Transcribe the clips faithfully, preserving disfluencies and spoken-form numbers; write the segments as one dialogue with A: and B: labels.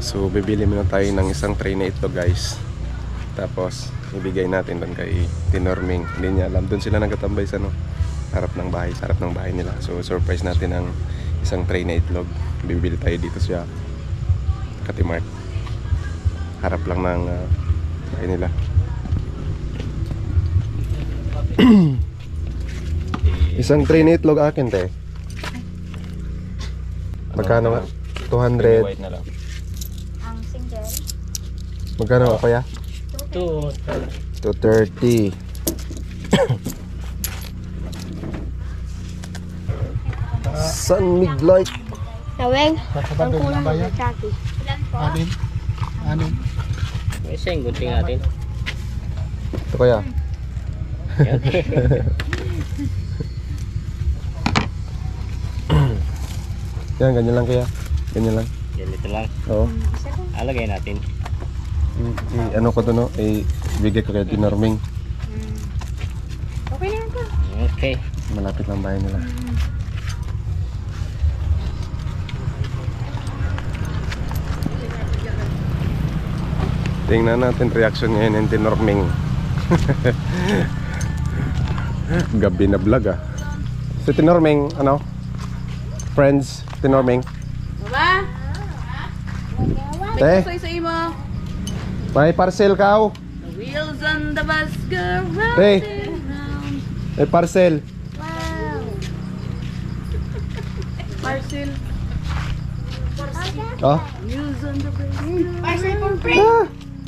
A: So bibili muna tayo ng isang tray na ito guys. Tapos ibigay natin doon kay Tinorming. Hindi niya alam, doon sila nagtatambay sa no, harap ng bahay, sa harap ng bahay nila. So surprise natin ang isang tray na itlog. Bibili tayo dito sa Katimart. Harap lang ng uh, bahay nila. Isang tray na itlog akin te. Magkano nga? two hundred.
B: White na lang.
C: Ang single.
A: Magkano ako ya?
B: two
A: two thirty. Sun Miglight.
C: Naweng.
D: Ang kulang ng chaki.
C: Ilan po?
D: Anin? Anin?
B: May isang gunting natin.
A: Ito kaya.
B: Yan.
A: Yan, ganyan lang kaya. Ganyan lang.
B: Ganito lang.
A: Oo.
B: Alagay natin.
A: I, i- ano ko to no? I, bigay ko kay Tinorming.
C: Okay na yan po.
B: Okay.
A: Malapit lang bahay nila. Tingnan natin reaction ngayon ng Tinorming. Gabi na vlog ah. Si Tinorming, ano? Friends, Tinorming.
E: Ba?
A: Te,
E: Say sa imo.
A: may parcel ka oh.
E: The wheels on the bus go round
A: Te,
E: and round.
A: may parcel.
E: Parcel.
A: Oh.
E: Wheels on the bus.
C: Parcel for free.
A: Ah!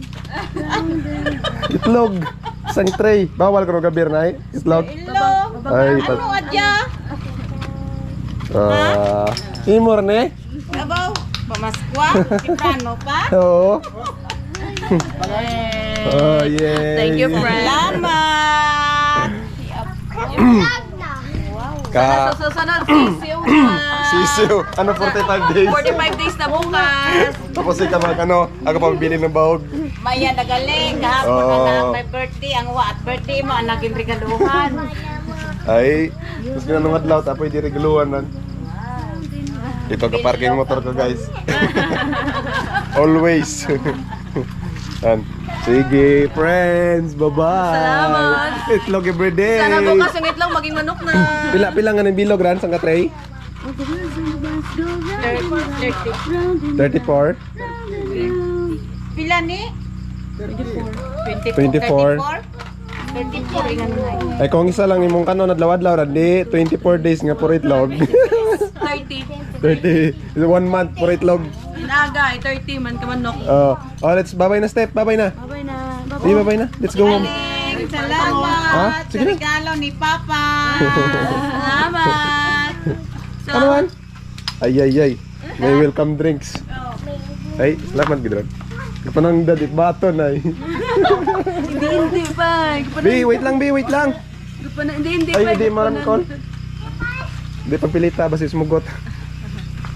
A: Itlog. Isang tray. Bawal ko ng gabir na eh. Itlog.
E: Hello.
A: Ay,
E: Ano
A: pa-
E: adya?
A: Ah, imor ne?
E: Abaw. Pamaskwa. Kiprano pa.
A: Oo.
E: Eh.
A: Oh, yeah.
E: Thank you, friend. Salamat.
A: Ka
E: Sa susunod, sisiw na.
A: sisiw. Ano forty-five days?
E: forty-five days na bukas.
A: Tapos ikaw mag ano, ako pa bibili ng bahog.
E: Maya nagaling. Kahapon
A: Oo.
E: na lang may birthday. Ang wa at birthday mo, ang naging regaluhan.
A: Ay, mas ginanong adlaw tapos di reguluan nan. Ito ka parking motor ko guys. Always. Yan. Sige, friends. Bye-bye.
E: Salamat.
A: Itlog everyday.
E: Sana bukas yung itlog maging manok na.
A: Pila pila nga ng bilog ran sang ka tray?
E: thirty.
A: thirty-four.
E: Pila ni? twenty-four.
A: twenty-four.
E: twenty-four. Ingan na.
A: Ay kung isa lang imong kanon adlaw-adlaw ra di twenty-four days nga puro itlog.
E: thirty.
A: thirty. One month puro itlog.
E: Inaga, thirty man ka manok.
A: Oh, oh let's babay na step, babay na.
E: Babay na.
A: Sige, babay na. Let's go home.
E: Galing. Salamat.
A: Ha? Sige
E: Sa
A: na.
E: regalo ni Papa. Salamat. So,
A: Ano man? Ay ay ay. May welcome drinks. Ay, salamat gidron. Kapanang dadit baton ay.
E: Hindi, hindi pa.
A: Bi, wait lang, bi, wait lang.
E: Hindi, hindi
A: Ay,
E: pa.
A: hindi maram kon. Hindi pagpilita basi sumugot.